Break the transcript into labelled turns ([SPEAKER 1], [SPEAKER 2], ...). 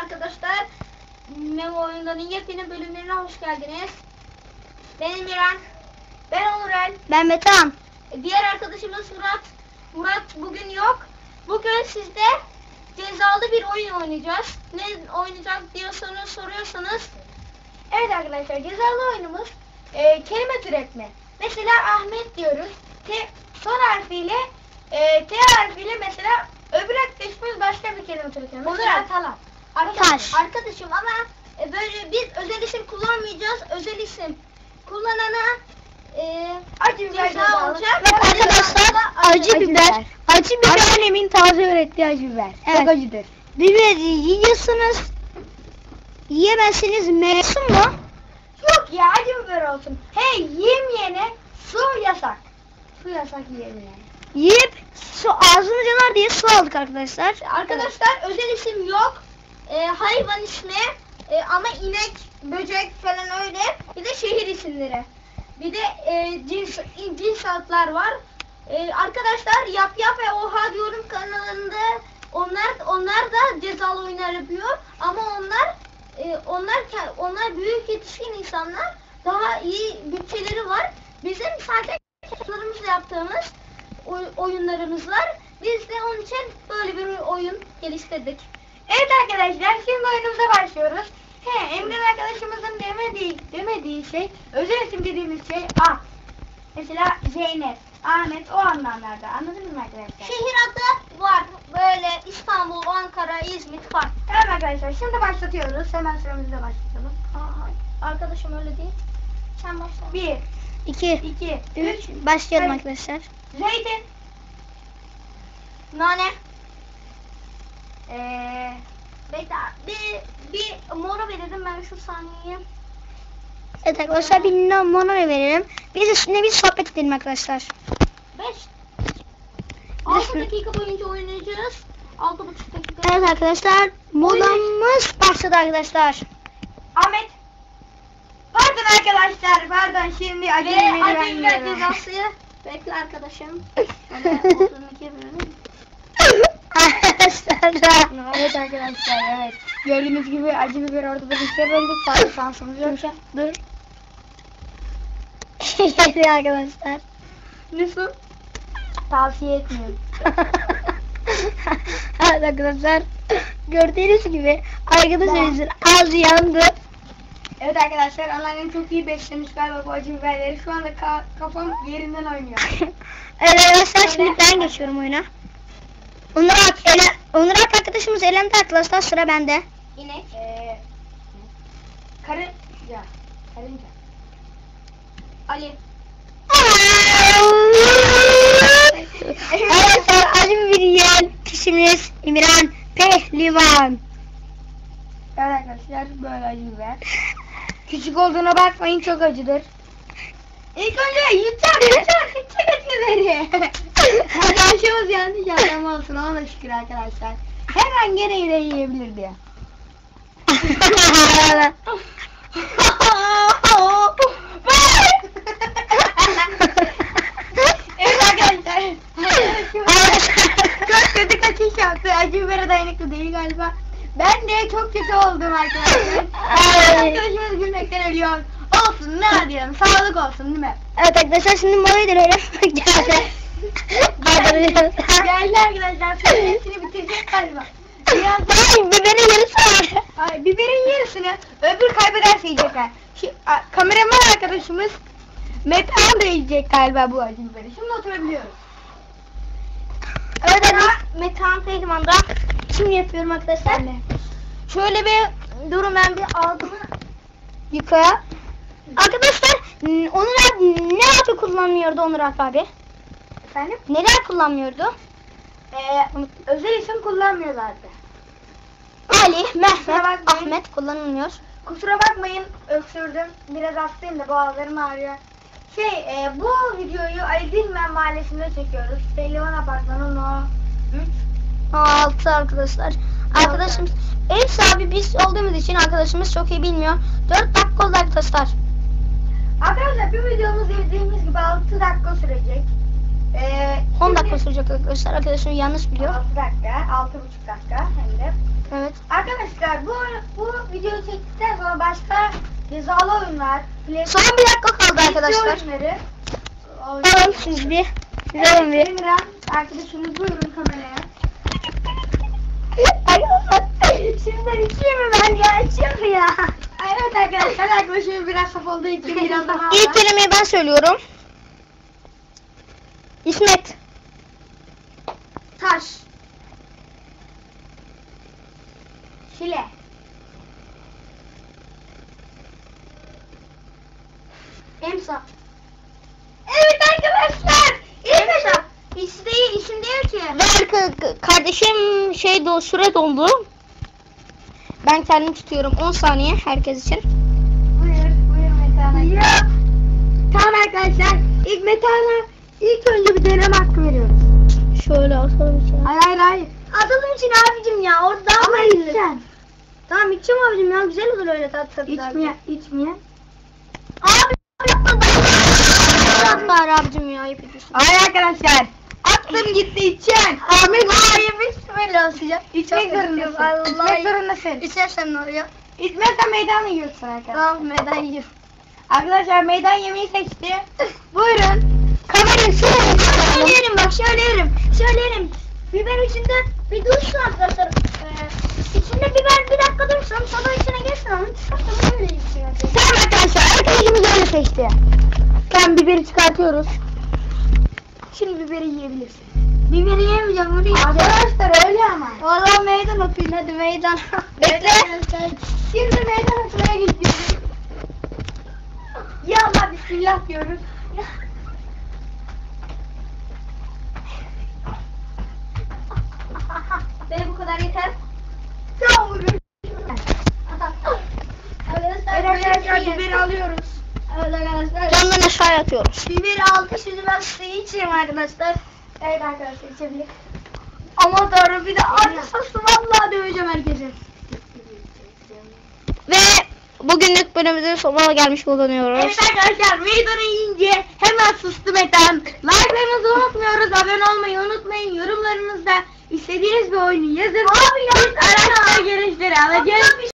[SPEAKER 1] arkadaşlar. Memo oyunlarının yepyeni bölümlerine hoş geldiniz. Ben Emirhan. Ben Onurel.
[SPEAKER 2] Ben Metehan.
[SPEAKER 1] Diğer arkadaşımız Murat. Murat bugün yok. Bugün sizde cezalı bir oyun oynayacağız. Ne oynayacak diye soruyorsanız. Evet arkadaşlar, cezalı oyunumuz kelime türetme. Mesela Ahmet diyoruz. Son harfiyle T harfiyle mesela öbür arkadaşımız başka bir kelime türetiyor. Mesela Talat. Arkadaşım ama böyle biz özel isim kullanmayacağız. Özel isim kullanana acı biber olacak.
[SPEAKER 2] Bak arkadaşlar, acı biber. Acı biber.
[SPEAKER 3] Annemin taze öğrettiği acı biber.
[SPEAKER 2] Evet.
[SPEAKER 3] Çok acıdır.
[SPEAKER 2] Biberi yiyorsunuz. Yiyemezsiniz. Mevsim mu?
[SPEAKER 1] Yok ya, acı biber olsun. Hey, yemeyene su yasak. Su yasak yemeyene.
[SPEAKER 2] Yiyip su ağzını yanar diye su aldık arkadaşlar.
[SPEAKER 1] Arkadaşlar özel isim yok. Hayvan ismi ama inek, böcek falan öyle. Bir de şehir isimleri. Bir de cins adlar var. Arkadaşlar Yap ve Oha Diyorum kanalında onlar da cezalı oyunlar yapıyor. Ama onlar büyük yetişkin insanlar. Daha iyi bütçeleri var. Bizim sadece çocuklarımızla yaptığımız oyunlarımız var. Biz de onun için böyle bir oyun geliştirdik. Evet arkadaşlar, şimdi oyunumuza başlıyoruz. Emre arkadaşımızın demediği şey, özel isim dediğimiz şey A. Mesela Zeynep, Ahmet, o anlamlarda. Anladınız mı arkadaşlar? Şehir adı var. Böyle İstanbul, Ankara, İzmit var. Evet arkadaşlar, şimdi başlatıyoruz. Hemen sıramızda başlayalım. Arkadaşım öyle değil. Sen başla. 1, 2, 3.
[SPEAKER 2] Başlayalım
[SPEAKER 1] Evet.
[SPEAKER 2] arkadaşlar.
[SPEAKER 1] Zeytin. Nane. Bekle, bir mola verelim ben şu saniye.
[SPEAKER 2] Evet arkadaşlar, bir mono verelim. Biz üstüne bir sohbet edelim arkadaşlar.
[SPEAKER 1] 5 6 dakika boyunca oynayacağız. 6,5 dakika.
[SPEAKER 2] Evet arkadaşlar, molamız başladı arkadaşlar.
[SPEAKER 1] Ahmet.
[SPEAKER 3] Pardon arkadaşlar, pardon, şimdi acı
[SPEAKER 1] Ve
[SPEAKER 3] biberi ben
[SPEAKER 1] acı biber
[SPEAKER 3] yiyorum.
[SPEAKER 1] cezası. Bekle arkadaşım. Ben 32 bölüm.
[SPEAKER 2] Arkadaşlar.
[SPEAKER 3] Evet arkadaşlar, evet. Gördüğünüz gibi acı biber ortada bir şey olduk. Fazla şansımız yok.
[SPEAKER 2] Dur. Geliyor arkadaşlar.
[SPEAKER 1] Nasıl?
[SPEAKER 3] Tavsiye etmiyorum.
[SPEAKER 2] Evet arkadaşlar, gördüğünüz gibi arkadaşımızın ağzı yandı.
[SPEAKER 3] Evet arkadaşlar, anneannem çok iyi beslemiş galiba bu acı biberleri. Şu anda kafam yerinden oynuyor.
[SPEAKER 2] Evet arkadaşlar, şimdi ben geçiyorum oyuna. Onur arkadaşımız elendi arkadaşlar, sıra bende.
[SPEAKER 1] İnek.
[SPEAKER 3] Karınca.
[SPEAKER 1] Ali.
[SPEAKER 2] Arkadaşlar, acı biber yiyen kişimiz İmran Pehlivan.
[SPEAKER 3] Evet arkadaşlar, böyle acı biber. Küçük olduğuna bakmayın, çok acıdır.
[SPEAKER 1] İlk önce yutacak acı biberi.
[SPEAKER 3] Arkadaşımız yanlış yapmam olsun, ona şükür arkadaşlar. Hemen gene yine yiyebilir diye.
[SPEAKER 1] Evet arkadaşlar.
[SPEAKER 3] Çok kötü kaçış yaptı. Acı bibere dayanıklı değil galiba. Ben de çok kötü oldum arkadaşlar. Arkadaşımız gülmekten ölüyor. Olsun, ne diyelim, sağlık olsun değil mi?
[SPEAKER 2] Evet arkadaşlar, şimdi molayı dönelim. Geldi.
[SPEAKER 3] Geldi arkadaşlar, sonra hepsini bitirecek galiba.
[SPEAKER 2] Ay, biberin yarısı var.
[SPEAKER 3] Ay, biberin yarısını öbür kaybederse yiyecekler. Kameraman arkadaşımız Metehan da yiyecek galiba bu acı biberi. Şimdi oturabiliyoruz.
[SPEAKER 2] Evet arkadaşlar,
[SPEAKER 1] Metehan Pehlivan'da.
[SPEAKER 2] şimdi yapıyorum arkadaşlar.
[SPEAKER 1] Şöyle bir durun, ben bir ağzımı
[SPEAKER 2] Yıka. Arkadaşlar, Onur abi ne abi kullanmıyordu Onur abi?
[SPEAKER 3] Efendim?
[SPEAKER 2] Neler kullanmıyordu?
[SPEAKER 3] Özel isim kullanmıyorlardı.
[SPEAKER 2] Ali, Mehmet,
[SPEAKER 3] bakmayın.
[SPEAKER 2] Ahmet kullanılmıyor.
[SPEAKER 3] Kusura bakmayın, öksürdüm. Biraz hastayım da boğazlarım ağrıyor. Bu videoyu Ali Dilmen Mahallesi'nde çekiyoruz. Pehlivan Apartmanı No. 3.
[SPEAKER 2] 6 arkadaşlar. Arkadaşımız ev sahibi biz olduğumuz için arkadaşımız çok iyi bilmiyor. 4 dakika oldu arkadaşlar.
[SPEAKER 3] Arkadaşlar, bir videomuz dediğimiz gibi 6 dakika sürecek.
[SPEAKER 2] 10 dakika sürecek arkadaşlar. Arkadaşım yanlış biliyor.
[SPEAKER 3] 6 dakika, 6,5 dakika hem de.
[SPEAKER 2] Evet.
[SPEAKER 3] Arkadaşlar bu videoyu çektikten sonra başka cezalı oyunlar,
[SPEAKER 2] Son bir dakika kaldı arkadaşlar.
[SPEAKER 3] oyunları.
[SPEAKER 2] Tamam siz bir. Güzel bir.
[SPEAKER 3] Emirhan arkadaşımız buyurun kameraya.
[SPEAKER 2] Şimdiden içeyim mi ben ya? İçeyim mi ya?
[SPEAKER 3] Evet arkadaşlar arkadaşımız biraz saf olduğu için biraz daha
[SPEAKER 2] İlk kelimeyi ben söylüyorum. İsmet.
[SPEAKER 3] taş. Şile.
[SPEAKER 1] Emsa.
[SPEAKER 3] Evet arkadaşlar.
[SPEAKER 1] Emsa. İsim değil ki.
[SPEAKER 2] Ve kardeşim süre doldu. Ben kendim tutuyorum 10 saniye herkes için.
[SPEAKER 3] Buyur Metehan. Ya. Tamam arkadaşlar. İlk önce bir deneme hakkı veriyoruz.
[SPEAKER 2] Şöyle atalım içine.
[SPEAKER 3] Hayır.
[SPEAKER 1] Atalım için abicim ya. Orada daha
[SPEAKER 3] Ama
[SPEAKER 1] bayılır.
[SPEAKER 3] içeceksin.
[SPEAKER 1] Tamam içeceğim abicim ya. Güzel olur öyle tatlı tatlı.
[SPEAKER 3] İçmeye.
[SPEAKER 1] Abi yapma.
[SPEAKER 2] Bari abicim ya ayıp ediyorsun.
[SPEAKER 3] Hayır arkadaşlar. Aklım gitti içeceksin.
[SPEAKER 1] Abi bismillah sıcak.
[SPEAKER 3] İçmek zorundasın.
[SPEAKER 1] Allah.
[SPEAKER 3] İçmek zorundasın.
[SPEAKER 1] İçersem ne oluyor?
[SPEAKER 3] İçmezsen meydan yiyorsun arkadaşlar.
[SPEAKER 1] Tamam meydan yiyor.
[SPEAKER 3] Arkadaşlar meydan yemeği seçti. Buyurun. Kamerayı
[SPEAKER 1] Şöyle yerim bak şöyle yerim. Biber içinde bir dursun arkadaşlar. İçinde biber bir dakika dursun sonra içine geçsin onu çıkartalım öyle içiyor.
[SPEAKER 3] Tamam arkadaşlar arkadaşımız öyle seçti. Tamam biberi çıkartıyoruz. Şimdi biberi yiyebilirsin.
[SPEAKER 1] Biberi yemeyeceğim bunu yiyeceğim.
[SPEAKER 3] Arkadaşlar öyle ama.
[SPEAKER 1] O zaman meydan okuyun hadi meydan.
[SPEAKER 3] Bekle. Şimdi meydan okumaya gidiyoruz. Ya Allah bismillah diyoruz.
[SPEAKER 1] Benim bu kadar yeter.
[SPEAKER 3] Tamam vurun.
[SPEAKER 1] Arkadaşlar
[SPEAKER 3] Evet arkadaşlar
[SPEAKER 1] biberi
[SPEAKER 3] biberi alıyoruz.
[SPEAKER 1] Evet arkadaşlar.
[SPEAKER 2] Camdan aşağı atıyoruz.
[SPEAKER 1] Biberi aldık şimdi ben suyu içeyim arkadaşlar.
[SPEAKER 3] Evet arkadaşlar içebilir.
[SPEAKER 1] Aman tanrım bir de acı soslu vallahi döveceğim herkese.
[SPEAKER 2] Ve bugünlük bölümümüzün sonuna gelmiş bulunuyoruz.
[SPEAKER 3] Evet arkadaşlar meydanı yiyince hemen sustu Metehan. Like'larınızı unutmuyoruz. Abone olmayı unutmayın. Yorumlarınızda istediğiniz bir oyunu yazın.
[SPEAKER 1] Abi
[SPEAKER 3] Biz araçlar gelişleri alacağız.